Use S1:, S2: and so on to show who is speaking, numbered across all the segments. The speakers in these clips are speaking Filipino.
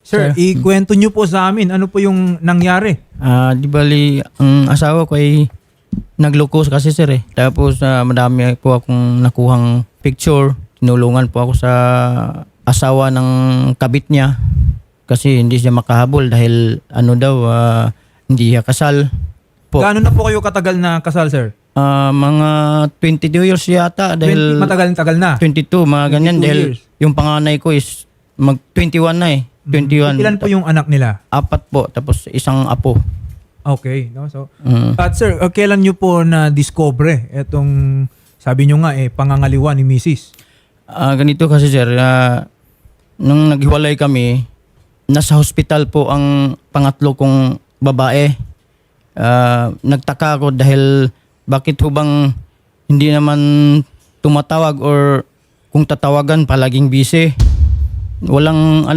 S1: Sir, ikwento nyo po sa amin, ano po yung nangyari?
S2: Di bali, ang asawa ko ay nagloko kasi sir eh. Tapos madami po akong nakuhang picture. Tinulungan po ako sa asawa ng kabit niya. Kasi hindi siya makahabol dahil ano daw, hindi siya kasal. Po.
S1: Gaano na po kayo katagal na kasal, sir?
S2: Mga 22 years yata dahil...
S1: Matagal na.
S2: 22, mga ganyan.
S1: 22
S2: Dahil
S1: years.
S2: yung panganay ko is mag-21 na eh. 21.
S1: Ilan po yung anak nila?
S2: 4 po, tapos isang apo.
S1: Okay. No? So, At sir, kailan nyo po na-discover itong, sabi nyo nga, pangangaliwa ni Mrs.?
S2: Ganito kasi sir, nung naghiwalay kami, nasa hospital po ang pangatlo kong babae. Nagtaka ako dahil bakit ho bang hindi naman tumatawag or kung tatawagan palaging busy. Walang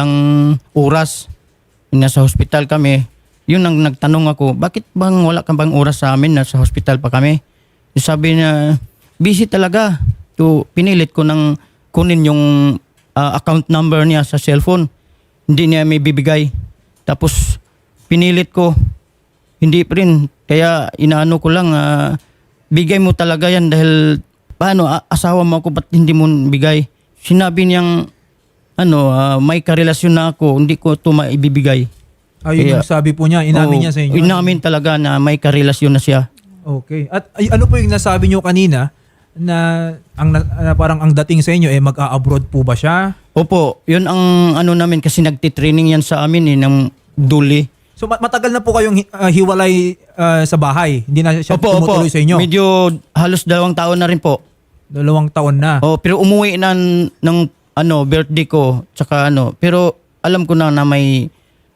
S2: oras. Nasa hospital kami. Yun ang nagtanong ako, bakit bang wala ka bang oras sa amin, nasa hospital pa kami? Sabi niya, busy talaga. So, pinilit ko nang kunin yung account number niya sa cellphone. Hindi niya may bibigay. Tapos pinilit ko, hindi pa rin. Kaya inaano ko lang, bigay mo talaga yan dahil paano, asawa mo ako, ba't hindi mo bigay? Sinabi niyang, may karelasyon na ako, hindi ko ito maibibigay.
S1: Ayun yung sabi po niya, inamin niya sa inyo?
S2: Inamin talaga na may karelasyon na siya.
S1: Okay. At ano po yung nasabi niyo kanina na parang ang dating sa inyo, mag-a-abroad po ba siya?
S2: Opo, yun ang namin kasi nagtitraining yan sa amin ng duli.
S1: So matagal na po kayong hiwalay sa bahay? Hindi na siya tumutuloy sa inyo?
S2: Medyo halos 2 taon na rin po.
S1: 2 taon na?
S2: Pero umuwi na ng birthday ko, tsaka pero alam ko na may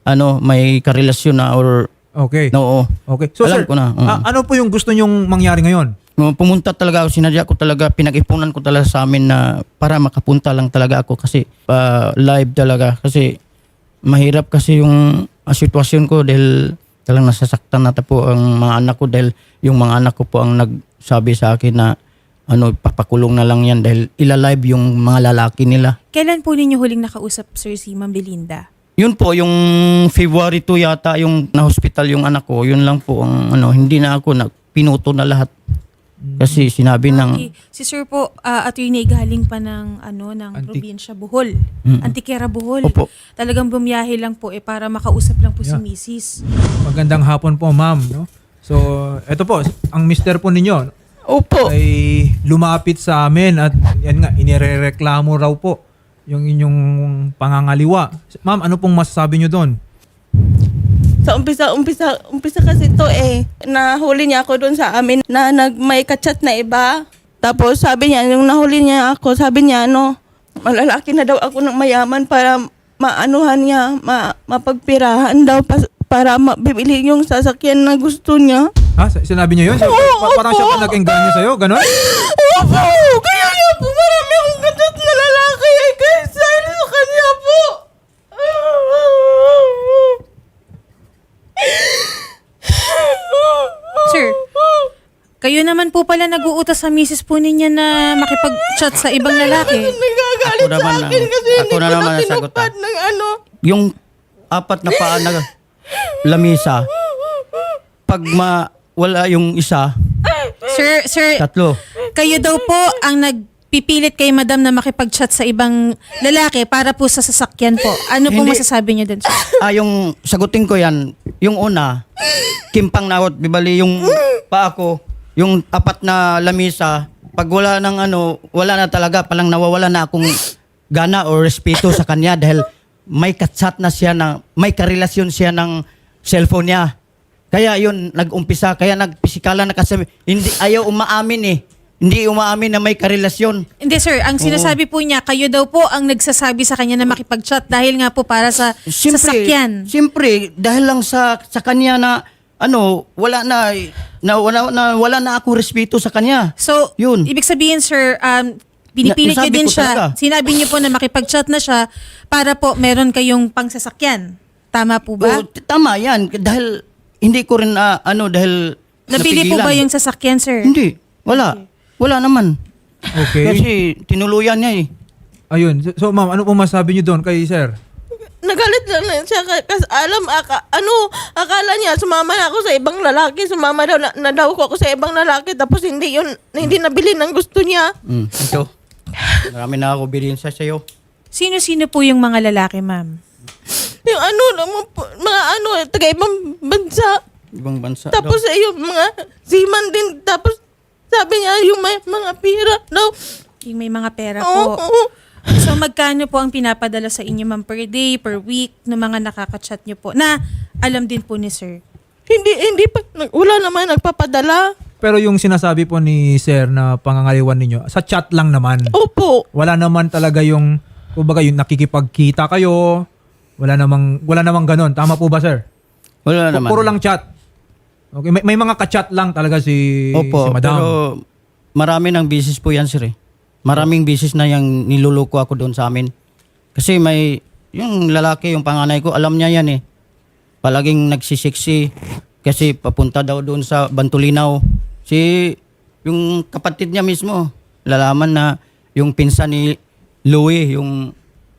S2: karelasyon na or
S1: okay.
S2: No.
S1: Okay. So
S2: alam
S1: sir,
S2: ko na.
S1: ano po yung gusto nyong mangyari ngayon?
S2: Pumunta talaga ako, sinadya ko talaga, pinag-ipunan ko talaga sa amin na para makapunta lang talaga ako kasi live talaga. Kasi mahirap kasi yung sitwasyon ko dahil talagang nasasaktan na po ang mga anak ko dahil yung mga anak ko po ang nagsabi sa akin na papakulong na lang yan dahil ilalive yung mga lalaki nila.
S3: Kailan po ninyo huling nakausap, sir, si Ma'am Belinda?
S2: Yun po, yung February 2 yata yung na-hospital yung anak ko. Yun lang po ang hindi na ako pinuto na lahat. Kasi sinabi ng...
S3: Si sir po, attorney, galing pa ng probinsya Bohol. Antikera Bohol.
S2: Opo.
S3: Talagang bumiyahe lang po para makausap lang po si Mrs.
S1: Magandang hapon po, ma'am. No? So, eto po, ang mister po ninyo
S2: Opo.
S1: ay lumapit sa amin at yan nga, inirereklamo raw po yung inyong pangangaliwa. Ma'am, ano pong masasabi nyo doon?
S4: Sa umpisa kasi to nahuli niya ako doon sa amin na may kachat na iba. Tapos sabi niya, yung nahuli niya ako, sabi niya malalaki na daw ako ng mayaman para maanuhan niya, mapagpirahan daw para bibili yung sasakyan na gusto niya.
S1: Ha? Sinabi niya yun? Parang siya pa nag-engganyo sa'yo? Ganon?
S4: Opo! Kaya nga po marami akong kachat na lalaki kaysa sa kanya po.
S3: Sir, kayo naman po pala nag-uutos sa misis po ninyo na makipag-chat sa ibang lalaki.
S4: Nagagalit sa akin kasi hindi ko na tinupad ng
S2: Yung 4 na paa na lamisa, pag wala yung isa,
S3: Sir,
S2: 3.
S3: kayo daw po ang nagpipilit kay madam na makipag-chat sa ibang lalaki para po sa sasakyan po. Ano pong
S2: Hindi.
S3: masasabi niyo dun, sir?
S2: Yung sagutin ko yan, yung una, kimpang nawat, bibali yung paa ko, yung 4 na lamisa, pag wala ng wala na talaga, palang nawawala na akong gana o respeto sa kanya dahil may katsat na siya may karelasyon siya ng cellphone niya. Kaya yun, nag-umpisa, kaya nagpisikala na kasi ayaw umaamin Hindi umaamin na may karelasyon.
S3: Hindi, sir. Ang sinasabi po niya, kayo daw po ang nagsasabi sa kanya na makipag-chat dahil nga po para sa sasakyan.
S2: Siyempre, dahil lang sa kanya na wala na ako respeto sa kanya.
S3: So,
S2: Yun.
S3: ibig sabihin, sir, pinipilit niyo
S2: Nasabi
S3: din
S2: ko
S3: siya.
S2: talaga.
S3: Sinabi niyo po na makipag-chat na siya para po meron kayong pangsasakyan. Tama po ba?
S2: Tama yan. Dahil hindi ko rin, dahil
S3: Nabili po
S2: napigilan.
S3: ba yung sasakyan, sir?
S2: Hindi. Wala. Wala naman.
S1: Okay.
S2: Kasi tinuluyan niya
S1: Ayun. So ma'am, ano pong masasabi niyo doon kay sir?
S4: nagalit lang siya kasi akala niya sumama na ako sa ibang lalaki, sumama daw na daw ako sa ibang lalaki, tapos hindi nabili ng gusto niya.
S2: Ito. Marami na ako bilhin sa sa'yo.
S3: Sino-sino po yung mga lalaki, ma'am?
S4: Yung taga ibang bansa.
S2: Ibang bansa
S4: Tapos yung mga seaman din, tapos sabi niya yung may mga pira daw.
S3: Yung may mga pera
S4: Oo,
S3: po.
S4: oo.
S3: So magkano po ang pinapadala sa inyo, ma'am, per day, per week, ng mga nakaka-chat niyo po na alam din po ni sir?
S4: Hindi pa, wala naman nagpapadala.
S1: Pero yung sinasabi po ni Sir na pangangaliwan ninyo, sa chat lang naman.
S4: Opo.
S1: Wala naman talaga yung, kumbaga yung nakikipagkita kayo. Wala namang ganon. Tama po ba, Sir?
S2: Wala naman.
S1: Puro lang chat. Okay, may mga ka-chat lang talaga si
S2: Opo,
S1: Madam.
S2: pero marami ng business po yan, sir. Maraming business na yung niluluko ako doon sa amin. Kasi yung lalaki, yung panganay ko, alam niya yan eh. Palaging nagsisiksi kasi papunta daw doon sa Bantulinaw. Yung kapatid niya mismo, lalaman na yung pinsan ni Louie, yung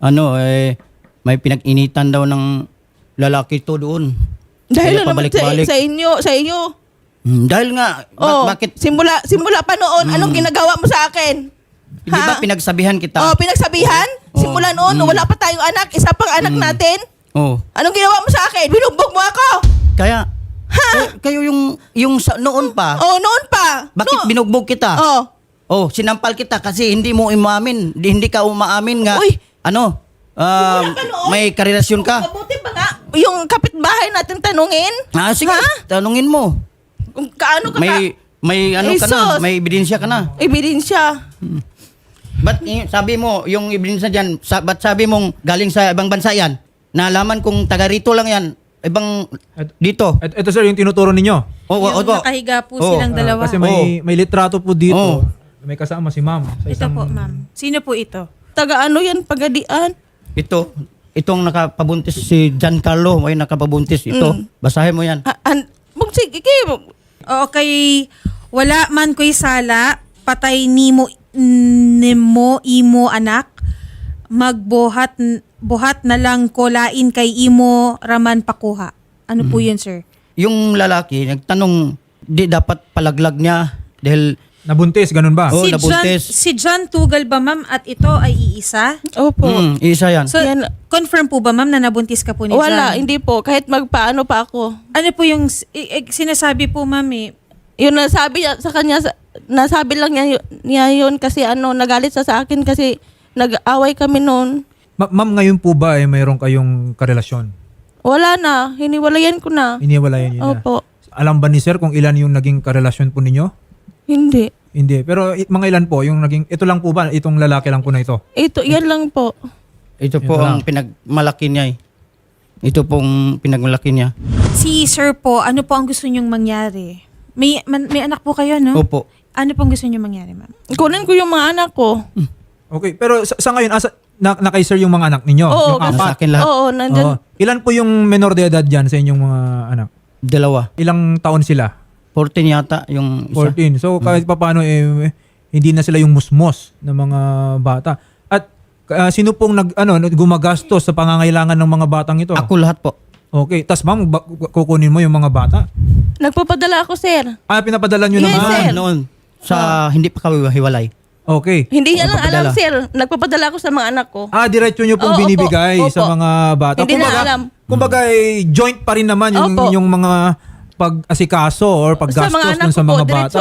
S2: may pinag-initan daw ng lalaki to doon.
S4: Dahil
S2: Kaya
S4: naman
S2: pabalik-balik.
S4: sa inyo.
S2: Dahil nga, bakit?
S4: Simula pa noon, anong ginagawa mo sa akin?
S2: Di ba pinagsabihan kita?
S4: Pinagsabihan? Simula noon, wala pa tayong anak, isa pang anak natin.
S2: Oh.
S4: Anong ginawa mo sa akin? Binugbog mo ako.
S2: Kaya, kayo yung noon pa,
S4: Noon pa.
S2: bakit binugbog kita? Sinampal kita kasi hindi mo umamin. Hindi ka umaamin nga.
S4: Uy.
S2: Wala ka noon. May karelasyon ka.
S4: Mabuti pa nga. Yung kapitbahay natin tanungin.
S2: Sige, tanungin mo.
S4: Kung kaano ka
S2: May ka na,
S4: Jesus.
S2: may ebidensya ka na.
S4: ebidensya.
S2: Ba't sabi mo, yung ebidensya dyan, ba't sabi mong galing sa ibang bansa yan? Nalaman kung taga rito lang yan, ibang dito.
S1: Ito, Sir, yung tinuturo ninyo.
S3: Yung nakahiga po silang dalawa.
S1: Kasi may litrato po dito. May kasama si Ma'am. Sa
S3: Ito po, ma'am. Sino po ito?
S4: Taga yan, Pagadian.
S2: Itong nakapabuntis si Giancarlo, may nakapabuntis ito. Basahin mo yan.
S4: Sige,
S3: Okay, wala man ko'y sala, patay nimo imo anak, buhat na lang ko lain kay imo raman pakuha. Ano po yun, sir?
S2: Yung lalaki, nagtanong, di dapat palaglag niya dahil
S1: Nabuntis, ganun ba?
S2: Oo. nabuntis.
S3: Si John Tugal ba, ma'am, at ito ay iisa?
S4: Opo.
S2: isa yan.
S3: So,
S4: Yan.
S3: confirm po ba, ma'am, na nabuntis ka po ni
S4: Wala,
S3: John?
S4: hindi po. Kahit magpaano pa ako.
S3: Ano po yung sinasabi po, ma'am, eh?
S4: Yung nasabi niya sa kanya, nasabi lang niya yun kasi nagalit sa akin kasi nag-away kami noon.
S1: Ma'am, ngayon po ba mayroon kayong karelasyon?
S4: Wala na, hiniwalayan ko na.
S1: Iniwalayan niyo na.
S4: Opo.
S1: Alam ba ni Sir kung ilan yung naging karelasyon po ninyo?
S4: Hindi.
S1: Hindi. Pero mga ilan po yung naging, ito lang po ba? Itong lalaki lang po na ito?
S4: Yan lang po.
S2: Ito po
S1: Ito
S2: ang
S1: lang.
S2: pinagmalaki niya eh. Ito pong pinagmalaki niya.
S3: Si sir po, ano po ang gusto niyong mangyari? May anak po kayo, no?
S2: Opo.
S3: Ano pong gusto niyong mangyari, ma'am?
S4: Kunin ko yung mga anak ko.
S1: Okay. Pero sa ngayon, na kay Sir yung mga anak ninyo?
S4: Oo,
S1: yung
S2: Nasa
S1: apat?
S2: akin lahat.
S4: Oo, nandyan.
S1: Oo. Ilan po yung menor de edad dyan sa inyong mga anak?
S2: 2.
S1: Ilang taon sila?
S2: 14 yata yung isa.
S1: 14. So kahit papaano hindi na sila yung musmos ng mga bata. At sino pong gumagastos sa pangangailangan ng mga batang ito?
S2: Ako lahat po.
S1: Okay. Tas ma'am, kukunin mo yung mga bata?
S4: Nagpapadala ako, sir.
S1: Pinapadala nyo
S4: Yes,
S1: naman?
S4: sir.
S2: Noon, sa hindi pa kami hiwalay.
S1: Okay.
S4: Hindi niya lang alam,
S2: Nagpapadala.
S4: sir. Nagpapadala ako sa mga anak ko.
S1: Diretso nyo pong
S4: Oo,
S1: binibigay
S4: opo,
S1: sa
S4: opo.
S1: mga bata.
S4: Hindi na alam.
S1: Kumbaga, joint pa rin naman
S4: Opo.
S1: yung mga pag-asikaso or
S4: Sa
S1: paggastos
S4: mga anak
S1: dun
S4: ko
S1: sa
S4: po,
S1: mga
S4: diretso
S1: bata.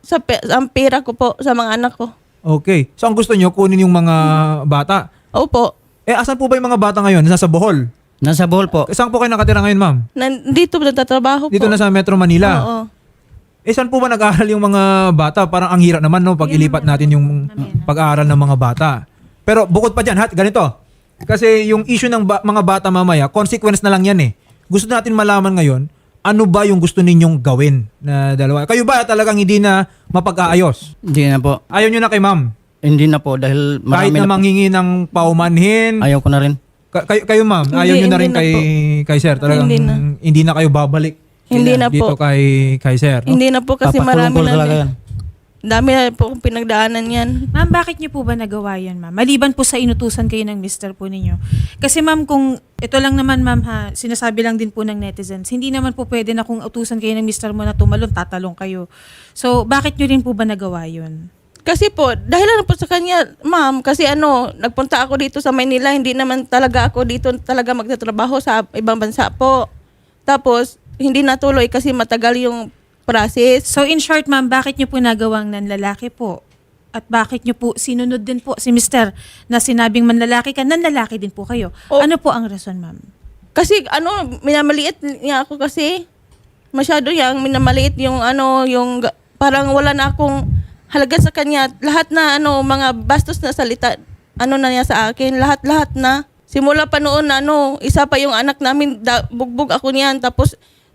S4: ang pera ko po sa mga anak ko.
S1: Okay. So ang gusto nyo, kunin yung mga bata.
S4: Opo.
S1: Asan po ba yung mga bata ngayon? Nasa Bohol?
S2: Nasa Bohol po.
S1: Saan po kayo nakatira ngayon, ma'am?
S4: Nandito nagtatrabaho po.
S1: Dito na sa Metro Manila.
S4: Oo.
S1: Saan po ba nag-aaral yung mga bata? Parang ang hirap naman, no? Pag ilipat natin yung pag-aaral ng mga bata. Pero bukod pa dyan, ganito. Kasi yung issue ng mga bata mamaya, consequence na lang yan eh. Gusto natin malaman ngayon, ano ba yung gusto ninyong gawin na dalawa? Kayo ba talagang hindi na mapag-aayos?
S2: Hindi na po.
S1: Ayaw nyo na kay ma'am?
S2: Hindi na po dahil
S1: Kahit
S2: marami
S1: na
S2: na po.
S1: manghingi ng paumanhin?
S2: Ayaw ko na rin.
S1: Kayo ma'am, ayaw nyo na rin
S4: hindi na
S1: kay sir? Talagang
S4: Hindi
S1: hindi na kayo babalik
S4: Hindi na
S1: dito
S4: po.
S1: kay sir? No?
S4: Hindi na po kasi
S2: Papatulong
S4: marami
S2: ko
S4: na.
S2: talaga yan.
S4: Dami na po akong pinagdaanan yan.
S3: Ma'am, bakit niyo po ba nagawa yan, ma'am? Maliban po sa inutusan kayo ng mister po ninyo. Kasi ma'am, kung ito lang naman ma'am ha, sinasabi lang din po ng netizens, hindi naman po pwede na kung utusan kayo ng mister mo na tumalon, tatalong kayo. So, bakit niyo rin po ba nagawa yun?
S4: Kasi po, dahil lang po sa kanya, ma'am, kasi nagpunta ako dito sa Maynila, hindi naman talaga ako dito talaga magtatrabaho sa ibang bansa po. Tapos, hindi natuloy kasi matagal yung process.
S3: So, in short ma'am, bakit niyo po nagawang nanlalaki po? At bakit niyo po sinunod din po si mister na sinabing manlalaki ka, nanlalaki din po kayo?
S4: Oh.
S3: Ano po ang rason, ma'am?
S4: Kasi minamaliit niya ako kasi. Masyado yang minamaliit yung parang wala na akong halaga sa kanya. Lahat na mga bastos na salita, na niya sa akin. Lahat na. Simula pa noon isa pa yung anak namin, bugbog ako niyan. Tapos,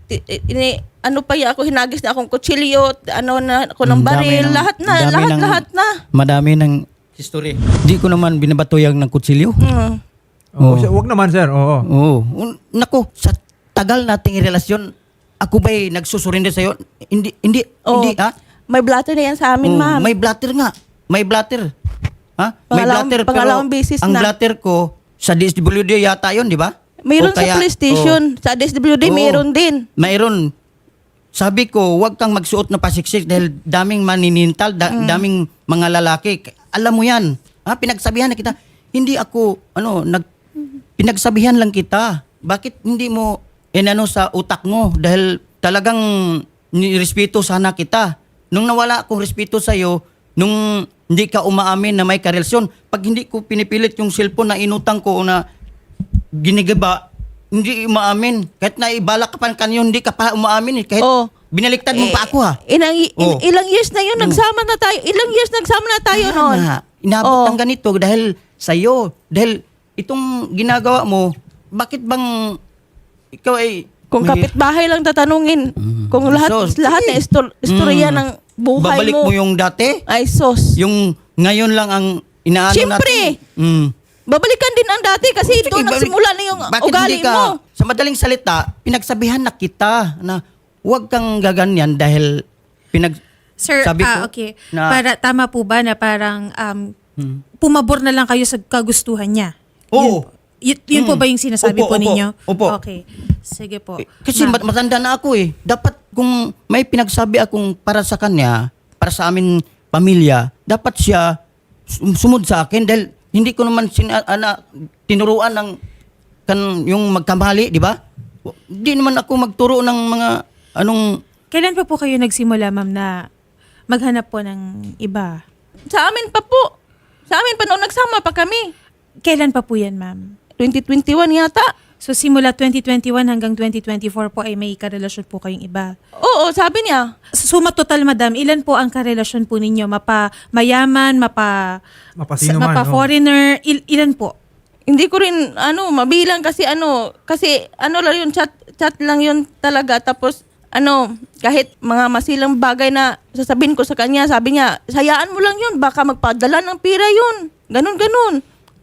S4: ako, hinagis na akong kutsilyo, na ako ng baril. Lahat na.
S2: Madami ng history. Di ko naman binabatuyag ng kutsilyo.
S1: Oh, wag naman sir. Oo.
S2: Oo. Nako, sa tagal nating relasyon, ako ba'y nagsusurrender sa'yo? Hindi, ha?
S4: May blatter na yan sa amin,
S2: Oo,
S4: ma'am.
S2: may blatter nga. May blatter. Ha? May blatter, pero
S4: pangalawang beses
S2: ang
S4: na.
S2: blatter ko, sa DSWD yata yun, di ba?
S4: Mayroon
S2: O kaya-
S4: sa police station. Sa DSWD,
S2: Oo.
S4: mayroon din.
S2: Mayroon. Sabi ko, huwag kang magsuot na pasiksik dahil daming maninintal, daming mga lalaki. Alam mo yan. Ha? Pinagsabihan na kita. Hindi ako, pinagsabihan lang kita. Bakit hindi mo sa utak mo? Dahil talagang nirespeto sana kita. Nung nawala akong respeto sa'yo, nung hindi ka umaamin na may karelasyon, pag hindi ko pinipilit yung cellphone na inutang ko o na ginigaba, hindi umaamin. Kahit na ibalak ka pa kanyo, hindi ka pa umaamin. Kahit
S4: Oh.
S2: binaliktad mo pa ako ha. Oh.
S4: Ilang years na yun, nagsama na tayo. Ilang years nagsama na tayo
S2: Kaya
S4: noon.
S2: nga, inabot
S4: Oh.
S2: ng ganito dahil sa'yo. Dahil itong ginagawa mo, bakit bang ikaw ay...
S4: Kung kapitbahay lang tatanungin, kung lahat
S2: Sos,
S4: lahat na istorya ng buhay
S2: babalik mo yung dati?
S4: ay sos.
S2: Yung ngayon lang ang inaano
S4: Siyempre.
S2: natin?
S4: Babalikan din ang dati kasi
S2: Sige,
S4: doon nagsimula na yung
S2: bakit
S4: ugali
S2: hindi ka,
S4: mo.
S2: Sa madaling salita, pinagsabihan na kita na huwag kang gaganyan dahil
S3: Sir,
S2: sabi ko
S3: okay.
S2: na-
S3: Para tama po ba na parang pumabor na lang kayo sa kagustuhan niya?
S2: Oo.
S3: Yun po ba yung sinasabi
S2: Opo,
S3: po
S2: opo,
S3: ninyo?
S2: opo.
S3: Okay. Sige po.
S2: Kasi
S3: Ma'am.
S2: matanda na ako eh. Dapat kung may pinagsabi akong para sa kanya, para sa amin pamilya, dapat siya sumunod sa akin dahil hindi ko naman tinuruan ng yung magkamali, di ba? Hindi naman ako magturo ng mga
S3: Kailan pa po kayo nagsimula, ma'am, na maghanap po ng iba?
S4: Sa amin pa po. Sa amin pa noon nagsama pa kami.
S3: Kailan pa po yan, ma'am?
S4: 2021 yata.
S3: So simula 2021 hanggang 2024 po ay may karelasyon po kayong iba.
S4: Oo, sabi niya.
S3: Suma total, madam, ilan po ang karelasyon po ninyo? Mayaman,
S1: Mapasino man.
S3: mapa-foreigner, ilan po?
S4: Hindi ko rin mabilang kasi lang yun, chat lang yun talaga. Tapos kahit mga masilang bagay na sasabihin ko sa kanya, sabi niya, hayaan mo lang yun, baka magpadala ng pira yun. Ganun.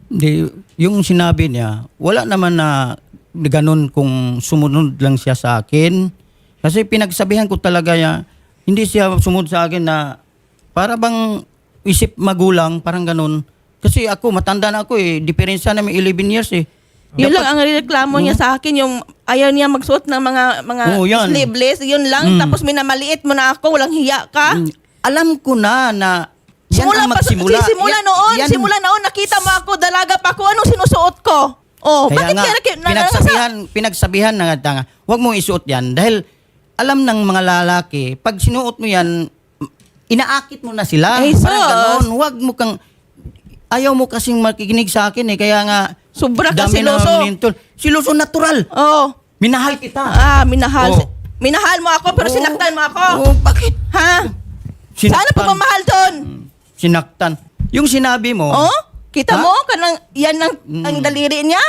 S2: yung sinabi niya, wala naman na ganun kung sumunod lang siya sa akin. Kasi pinagsabihan ko talaga niya, hindi siya sumunod sa akin na para bang isip magulang, parang ganun. Kasi ako, matanda na ako eh. Diferensya namin 11 years eh.
S4: Yun lang ang reklamo niya sa akin, yung ayaw niya magsuot ng mga
S2: Oo, yan.
S4: sleeveless, yun lang. Tapos minamaliit mo na ako, walang hiya ka.
S2: Alam ko na yan ang magsimula.
S4: Simula noon, nakita mo ako, dalaga pa ako, anong sinusuot ko? Oh,
S2: Kaya
S4: bakit
S2: nga, pinagsabihan na nga, huwag mong isuot yan. Dahil alam ng mga lalaki, pag sinuot mo yan, inaakit mo na sila.
S4: Eh, sus.
S2: Parang ganon. Huwag mo kang, ayaw mo kasing makikinig sa akin eh. Kaya nga,
S4: Sobra ka
S2: dami na
S4: siloso.
S2: nintol. Siloso natural.
S4: Oh.
S2: Minahal kita.
S4: Minahal.
S2: Oh.
S4: Minahal mo ako, pero
S2: Oo.
S4: sinaktan mo ako.
S2: Oh, bakit?
S4: Ha? Sana pagmamahal doon?
S2: Sinaktan. Yung sinabi mo,
S4: Oh? Kita
S2: Ha?
S4: mo? Yan ang daliri niya?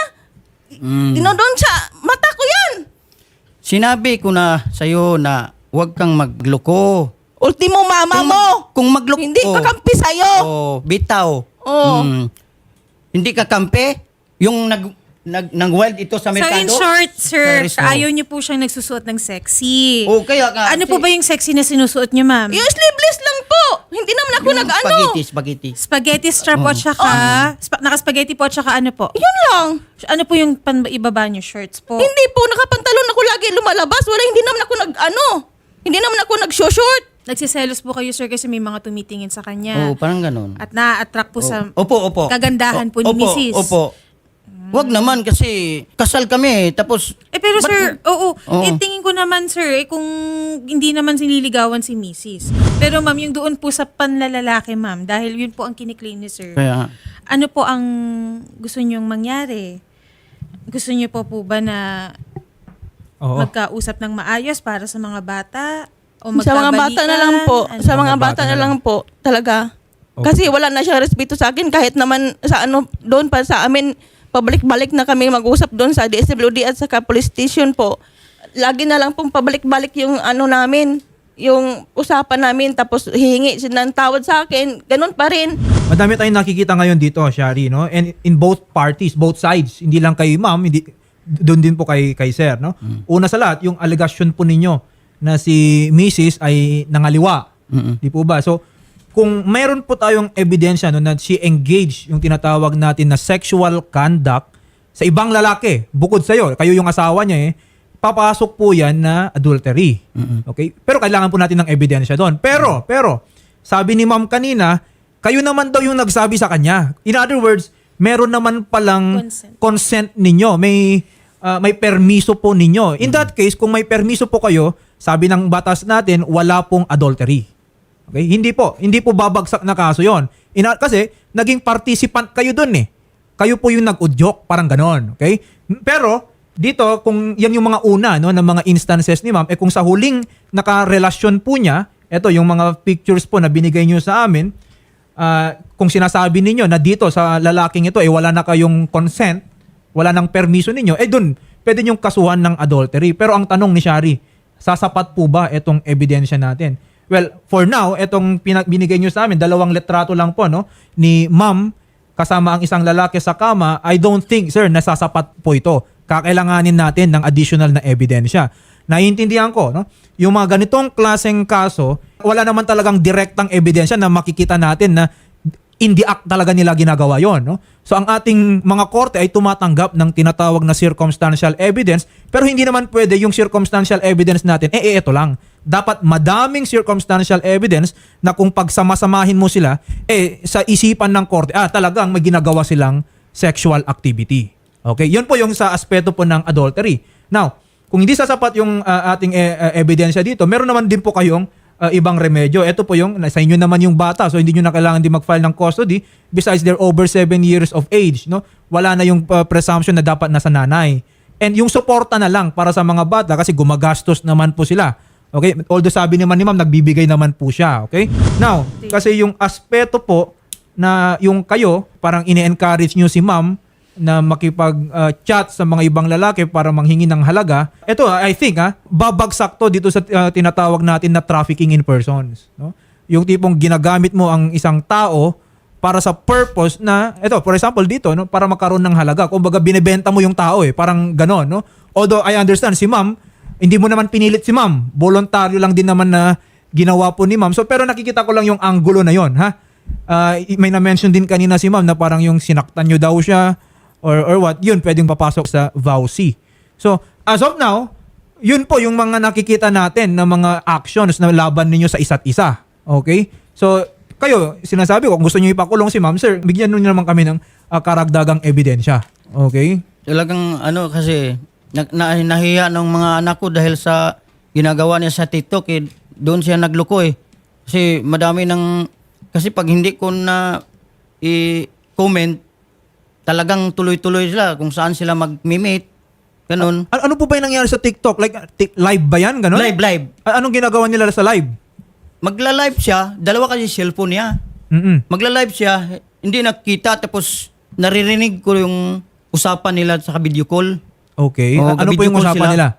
S4: Dinodon sa mata ko yan.
S2: sinabi ko na sa'yo na huwag kang magloko.
S4: Ultimo mama mo.
S2: Kung magloko,
S4: Hindi kakampi sa'yo.
S2: Oh, bitaw.
S4: Oh.
S2: Hindi ka kampe. Yung nang-wild ito sa
S3: So
S2: merkado.
S3: in short, sir,
S2: Paris, no.
S3: ayaw niyo po siyang nagsusuot ng sexy.
S2: Oh, kaya nga.
S3: Ano po ba yung sexy na sinusuot niyo, ma'am?
S4: Yung sleeveless lang po. Hindi naman ako
S2: Yung
S4: nag-ano.
S2: Spaghetti.
S3: Spaghetti strap po at saka, naka-spaghetti po at saka ano po?
S4: Yun lang.
S3: Ano po yung ibaba niyo, shorts po?
S4: Hindi po, nakapantalon ako lagi lumalabas. Hindi naman ako hindi naman ako nag-short.
S3: Nagsiselos po kayo, sir, kasi may mga tumitingin sa kanya.
S2: Oh, parang ganun.
S3: At na-attract po sa
S2: Opo.
S3: kagandahan po ni
S2: Opo,
S3: Mrs.
S2: Opo. Wag naman kasi kasal kami tapos
S3: Pero
S2: ba't-
S3: sir, oo.
S2: Oo.
S3: Tingin ko naman, sir, kung hindi naman siniligawan si Mrs. Pero ma'am, yung doon po sa panlalalaki, ma'am, dahil yun po ang kiniklaim ni sir.
S2: Kaya
S3: Ano po ang gusto niyong mangyari? Gusto niyo po ba na
S1: Oo.
S3: magkausap ng maayos para sa mga bata? O
S4: Sa mga bata na lang po.
S3: Ano?
S4: Sa mga bata na lang po. Talaga.
S1: Okay.
S4: Kasi wala na siyang respeto sa akin kahit naman sa doon pa sa amin, pabalik-balik na kami mag-usap doon sa DSWD at saka police station po. Lagi na lang pong pabalik-balik yung namin, yung usapan namin, tapos hihingi siya ng tawad sa akin. Ganun pa rin.
S1: Madami tayong nakikita ngayon dito, Shari, no? And in both parties, both sides, hindi lang kay ma'am, hindi doon din po kay sir, no? Una sa lahat, yung allegation po ninyo na si Mrs. ay nangaliwa. Di po ba? So, kung mayroon po tayong ebidensya no, na she engaged yung tinatawag natin na sexual conduct sa ibang lalaki, bukod sa'yo, kayo yung asawa niya papasok po yan na adultery. Okay? Pero kailangan po natin ng ebidensya doon. Pero, sabi ni ma'am kanina, kayo naman daw yung nagsabi sa kanya. In other words, meron naman palang consent ninyo. May permiso po ninyo. In that case, kung may permiso po kayo, sabi ng batas natin, wala pong adultery. Okay? Hindi po babagsak na kaso 'yon. Kasi naging participant kayo doon Kayo po yung nag-udyok, parang ganon. Okay? Pero dito kung yan yung mga una no ng mga instances ni ma'am, kung sa huling nakarelasyon po niya, eto yung mga pictures po na binigay niyo sa amin, kung sinasabi ninyo na dito sa lalaking ito wala na kayong consent, wala nang permiso ninyo, doon pwede niyong kasuhan ng adultery. Pero ang tanong ni Shari, sasapat po ba itong ebidensya natin? Well, for now, itong binigay nyo sa amin, 2 litrato lang po, no? Ni ma'am, kasama ang isang lalaki sa kama, I don't think, sir, nasasapat po ito. Kakailanganin natin ng additional na ebidensya. Naiintindihan ko, no? Yung mga ganitong klaseng kaso, wala naman talagang direktang ebidensya na makikita natin na in the act talaga nila ginagawa yon, no? So ang ating mga korte ay tumatanggap ng tinatawag na circumstantial evidence, pero hindi naman pwede yung circumstantial evidence natin, ito lang. Dapat madaming circumstantial evidence na kung pagsama-samahin mo sila, sa isipan ng korte, talagang may ginagawa silang sexual activity. Okay? Yun po yung sa aspeto po ng adultery. Now, kung hindi sasapat yung ating ebidensya dito, meron naman din po kayong ibang remedyo. Ito po yung, sa inyo naman yung bata, so hindi nyo na kailangan din mag-file ng custody. Besides, they're over 7 years of age. No? Wala na yung presumption na dapat nasa nanay. And yung suporta na lang para sa mga bata kasi gumagastos naman po sila. Okay? Although sabi naman ni ma'am, nagbibigay naman po siya. Okay? Now, kasi yung aspeto po na yung kayo, parang ine-encourage nyo si ma'am na makipag-chat sa mga ibang lalaki para manghingi ng halaga. Ito, I think, babagsak to dito sa tinatawag natin na trafficking in persons. No? Yung tipong ginagamit mo ang isang tao para sa purpose na, ito, for example dito, no, para magkaroon ng halaga. Kumbaga, binebenta mo yung tao parang ganon. No? Although, I understand, si ma'am, hindi mo naman pinilit si ma'am. Voluntaryo lang din naman na ginawa po ni ma'am. So, pero nakikita ko lang yung angulo na yon, ha? May na-mention din kanina si ma'am na parang yung sinaktan nyo daw siya or what, yun pwedeng papasok sa VAUC. So, as of now, yun po yung mga nakikita natin na mga actions na laban ninyo sa isa't isa. Okay? So, kayo, sinasabi ko, kung gusto nyo ipakulong si ma'am, sir, bigyan nyo naman kami ng karagdagang ebidensya. Okay?
S2: talagang kasi nahiya ng mga anak ko dahil sa ginagawa niya sa TikTok doon siya nagloko Kasi madami kasi pag hindi ko na i-comment, talagang tuloy-tuloy sila kung saan sila mag-meet. Ganun.
S1: Ano po ba yung nangyari sa TikTok? Like, live ba yan? Ganun?
S2: Live.
S1: Anong ginagawa nila sa live?
S2: Magla-live siya, dalawa kasi cellphone niya. Magla-live siya, hindi nakita, tapos naririnig ko yung usapan nila sa video call.
S1: Okay. Ano po yung usapan nila?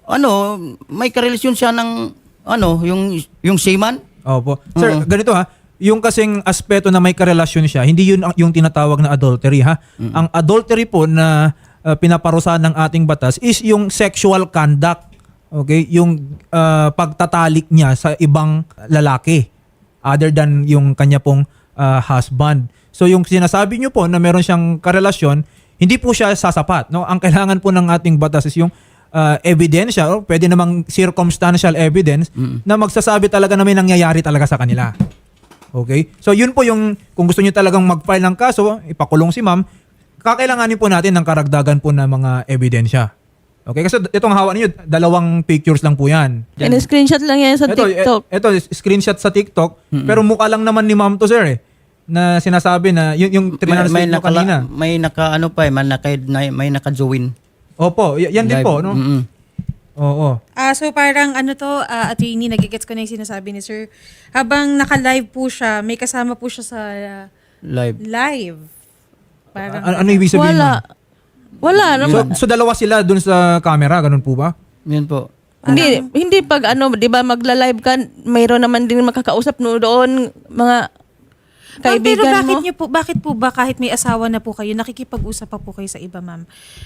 S2: May karelasyon siya ng yung seaman.
S1: Opo. Sir, ganito yung kasing aspeto na may karelasyon siya, hindi yun yung tinatawag na adultery, ha? Ang adultery po na pinaparusahan ng ating batas is yung sexual conduct. Okay? Yung pagtatalik niya sa ibang lalaki other than yung kanya pong husband. So yung sinasabi niyo po na meron siyang karelasyon, hindi po siya sasapat, no? Ang kailangan po ng ating batas is yung ebidensya, o pwede namang circumstantial evidence na magsasabi talaga na may nangyayari talaga sa kanila. Okay? So yun po yung, kung gusto niyo talagang mag-file ng kaso, ipakulong si ma'am, kakailanganin po natin ng karagdagan po ng mga ebidensya. Okay? Kasi itong hawak niyo, 2 pictures lang po yan.
S4: In-screenshot lang yan sa TikTok.
S1: Ito, screenshot sa TikTok, pero mukha lang naman ni ma'am to, sir, na sinasabi na yung trinanslate nyo kanina.
S2: May naka ano pa may naka-join.
S1: Opo, yan din
S2: Live.
S1: po, no?
S2: Mm-mm.
S1: Oo.
S3: So parang attorney, nagigets ko na yung sinasabi ni sir. Habang naka-live po siya, may kasama po siya sa live. Parang,
S1: Ano ibig sabihin?
S4: Wala.
S1: nun?
S4: Wala naman.
S1: So dalawa sila dun sa camera, ganun po ba?
S2: Yun po.
S4: Hindi pag 'di ba magla-live ka, mayroon naman din makakausap no doon mga
S3: pero
S4: kaibigan mo.
S3: bakit po ba kahit may asawa na po kayo, nakikipag-usap pa po kayo sa iba, ma'am?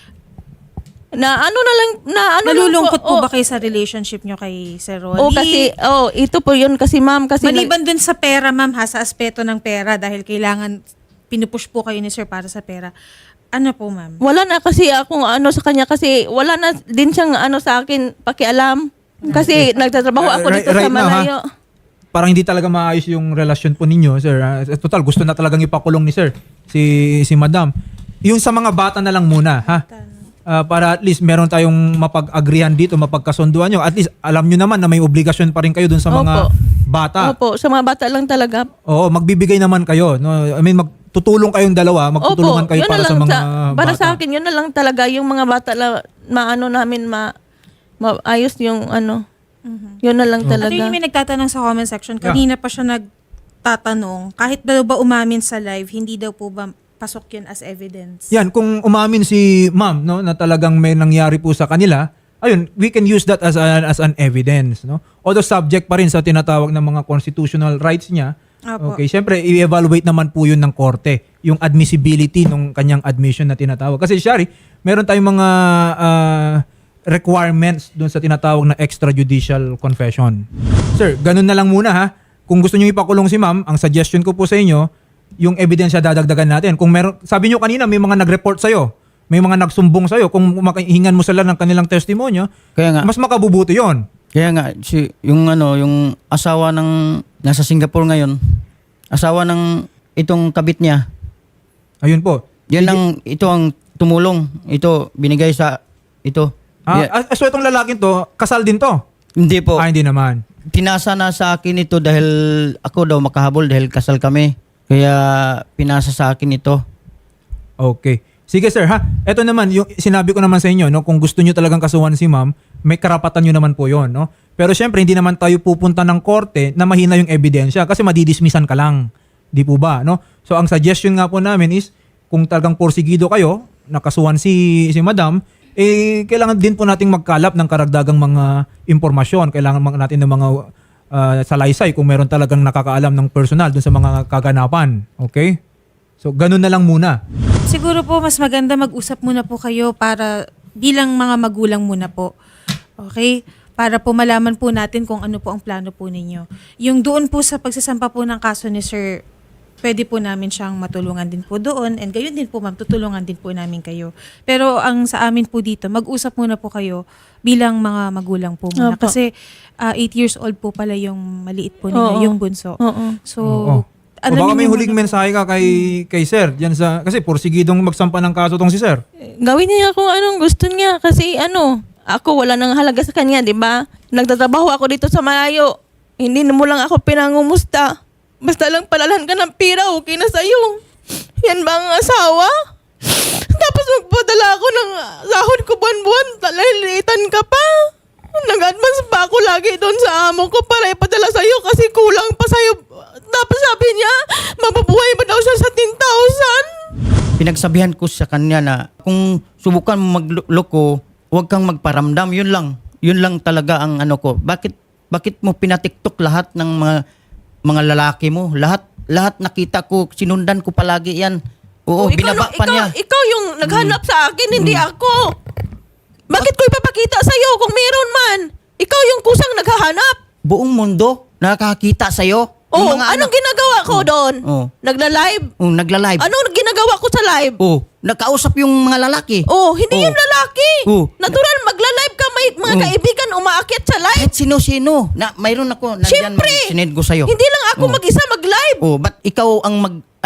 S3: Nalulungkot po ba kayo sa relationship nyo kay Sir Ronnie?
S4: Ito po yun kasi ma'am kasi
S3: Maliban dun sa pera, ma'am, sa aspeto ng pera, dahil kailangan pinupush po kayo ni Sir para sa pera. Ano po, ma'am?
S4: wala na kasi akong sa kanya kasi wala na din siyang sa akin pakialam. Kasi nagtatrabaho ako dito
S1: Right
S4: sa
S1: now, ha?
S4: malayo.
S1: Parang hindi talaga maayos yung relasyon po ninyo, sir. Total, gusto na talagang ipakulong ni sir, si madam. Yung sa mga bata na lang muna, ha? Para at least meron tayong mapag-agrihan dito, mapagkasunduan nyo. At least alam nyo naman na may obligasyon pa rin kayo dun sa mga bata.
S4: Opo, sa mga bata lang talaga.
S1: Oo, magbibigay naman kayo. No? I mean, magtutulong kayong dalawa, magtutulungan kayo
S4: yun
S1: para
S4: na
S1: sa
S4: lang
S1: mga
S4: para
S1: bata.
S4: sa akin, yun na lang talaga yung mga bata namin maayos yung Yun na lang
S3: At
S4: talaga.
S3: yung may nagtatanong sa comment section, kanina pa siya nagtatanong, kahit daw ba umamin sa live, hindi daw po ba pasok yun as evidence?
S1: Yan, kung umamin si ma'am, no, na talagang may nangyari po sa kanila, ayun, we can use that as an evidence, no? Although subject pa rin sa tinatawag ng mga constitutional rights niya.
S3: Opo.
S1: Okay, syempre i-evaluate naman po 'yun ng korte, yung admissibility ng kanyang admission na tinatawag. Kasi Shari, meron tayong mga requirements doon sa tinatawag na extrajudicial confession. Sir, ganun na lang muna, ha. Kung gusto niyo ipakulong si ma'am, ang suggestion ko po sa inyo, yung ebidensya dadagdagan natin. Kung meron, sabi niyo kanina may mga nag-report sa iyo, may mga nagsumbong sa iyo, kung makahingan mo sila ng kanilang testimonyo,
S2: Kaya nga,
S1: mas makabubuti 'yon.
S2: yung asawa ng nasa Singapore ngayon, asawa ng itong kabit niya.
S1: Ayun po.
S2: Ito ang tumulong. Ito binigay sa ito.
S1: So itong lalaking to, kasal din to?
S2: Hindi po.
S1: Hindi naman.
S2: Pinasa na sa akin ito dahil ako daw makahabol dahil kasal kami. Kaya pinasa sa akin ito.
S1: Okay. Sige sir, ha. Ito naman, yung sinabi ko naman sa inyo, no, kung gusto niyo talagang kasuhan si ma'am, may karapatan niyo naman po 'yon, no. Pero syempre hindi naman tayo pupunta ng korte na mahina yung ebidensya kasi madidismissan ka lang. Di po ba, no? So ang suggestion nga po namin is kung talagang porsigido kayo, nakasuhan si madam, kailangan din po nating magkalap ng karagdagang mga impormasyon. Kailangan natin ng mga salaysay kung meron talagang nakakaalam ng personal dun sa mga kaganapan. Okay? So, ganun na lang muna.
S3: Siguro po mas maganda mag-usap muna po kayo para bilang mga magulang muna po. Okay? Para po malaman po natin kung ano po ang plano po ninyo. Yung doon po sa pagsasampa po ng kaso ni Sir, pwede po namin siyang matulungan din po doon, and gayon din po ma'am, tutulungan din po namin kayo. Pero ang sa amin po dito, mag-usap muna po kayo bilang mga magulang po muna.
S4: Opo.
S3: Kasi 8 years old po pala yung maliit po ninyo,
S4: Oo.
S3: yung bunso.
S4: Oo.
S3: So,
S1: Oo. O baka may huling mensahe ka kay sir, diyan sa, kasi porsigidong magsampa ng kaso tong si sir.
S4: Gawin niya kung anong gusto niya kasi ako wala nang halaga sa kanya, 'di ba? Nagtatrabaho ako dito sa malayo. Hindi mo lang ako pinangumusta. Basta lang palalan ka ng pira, okay na sa'yo. Yan ba ang asawa? Tapos magpadala ako ng sahod ko buwan-buwan, talilitan ka pa. Nag-advance pa ako lagi doon sa amo ko para ipadala sa'yo kasi kulang pa sa'yo. Tapos sabi niya, mabubuhay ba daw siya sa 10,000?
S2: Pinagsabihan ko sa kanya na kung subukan mo magloko, huwag kang magparamdam. Yun lang talaga ang ko. Bakit mo pinatiktok lahat ng mga mga lalaki mo. Lahat nakita ko, sinundan ko palagi yan. Oo, binaba pa niya.
S4: Ikaw yung naghanap sa akin, hindi ako. Bakit ko ipapakita sa'yo kung meron man? Ikaw yung kusang naghahanap.
S2: Buong mundo nakakita sa'yo.
S4: Oh, anong ginagawa ko doon?
S2: Oh.
S4: Nagla-live?
S2: Nagla-live.
S4: Anong ginagawa ko sa live?
S2: Oh, nakausap yung mga lalaki.
S4: Oh, hindi
S2: Oh.
S4: yung lalaki.
S2: Oh.
S4: Natural, magla-live ka, may mga kaibigan umaakit sa live.
S2: Kahit sino-sino. Mayroon ako, nandyan,
S4: Siyempre.
S2: sinend ko sa'yo.
S4: Hindi lang ako
S2: Oh.
S4: mag-isa mag-live.
S2: Oh, ba't ikaw ang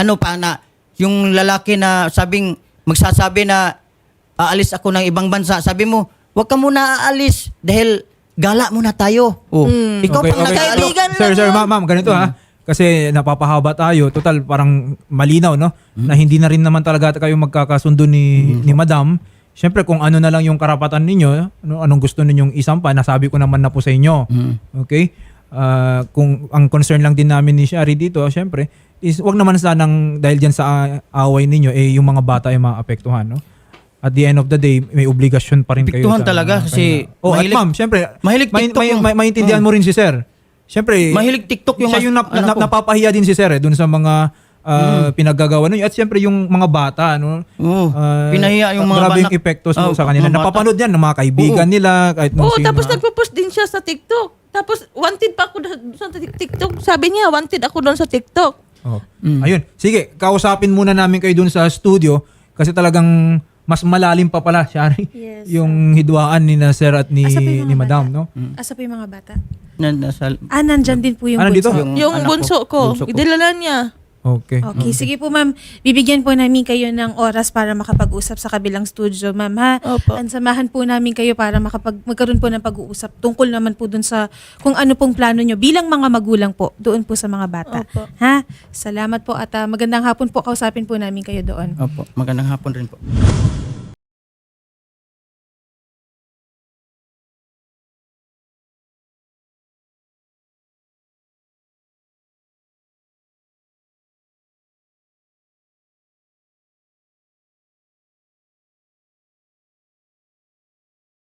S2: yung lalaki na magsasabi na aalis ako ng ibang bansa, sabi mo, wag ka muna aalis dahil gala muna tayo. Oh, ikaw pang
S4: Kaibigan
S1: Sir,
S4: lang yun.
S1: ma'am, ganito ha. Kasi napapahaba tayo. Total, parang malinaw, no? Na hindi na rin naman talaga kayo magkakasundo ni Madam. Siyempre, kung ano na lang yung karapatan ninyo, anong gusto ninyong isampa, nasabi ko naman na po sa inyo. Okay? Kung ang concern lang din namin ni Shari dito, siyempre, is wag naman sanang dahil dyan sa away ninyo, yung mga bata ay maapektuhan, no? At the end of the day, may obligasyon pa rin kayo.
S2: Apektuhan talaga kasi
S1: at ma'am, siyempre,
S2: mahilig TikTok yung-
S1: maintindihan mo rin si Sir. Siyempre,
S2: Mahilig TikTok yung
S1: siya yung
S2: anak ko.
S1: napapahiya din si Sir dun sa mga pinaggagawa ninyo. At siyempre yung mga bata, no?
S2: Oo. Pinahiya yung mga
S1: grabe yung
S2: banak-
S1: epektos
S2: Oh,
S1: sa kanila.
S2: mga bata.
S1: Napapanood yan ng mga kaibigan
S2: Oo.
S1: nila. Kahit nung
S4: Oo,
S1: sino.
S4: tapos nagpo-post din siya sa TikTok. Tapos wanted pa ako doon sa TikTok. Sabi niya, wanted ako doon sa TikTok.
S1: Oh. Ayun. Sige, kausapin muna namin kayo dun sa studio kasi talagang mas malalim pa pala, Shari,
S3: Yes.
S1: yung hidwaan ni na Sir at ni,
S3: Asa pa yung mga
S1: ni Madam,
S3: bata?
S1: no?
S3: Asa pa yung mga bata?
S2: Nandasal.
S3: Nandyan din po yung
S1: Ano dito?
S3: bunso.
S4: Yung
S2: anak
S4: bunso ko,
S2: bunso ko.
S4: idilala niya.
S1: Okay.
S3: Okay, sige po ma'am. Bibigyan po namin kayo ng oras para makapag-usap sa kabilang studio, ma'am ha.
S4: Opo.
S3: Ansamahan po namin kayo para magkaroon po ng pag-uusap tungkol naman po dun sa kung ano pong plano nyo bilang mga magulang po doon po sa mga bata.
S4: Opo.
S3: Ha? Salamat po at magandang hapon po. Kausapin po namin kayo doon.
S2: Opo, magandang hapon rin po.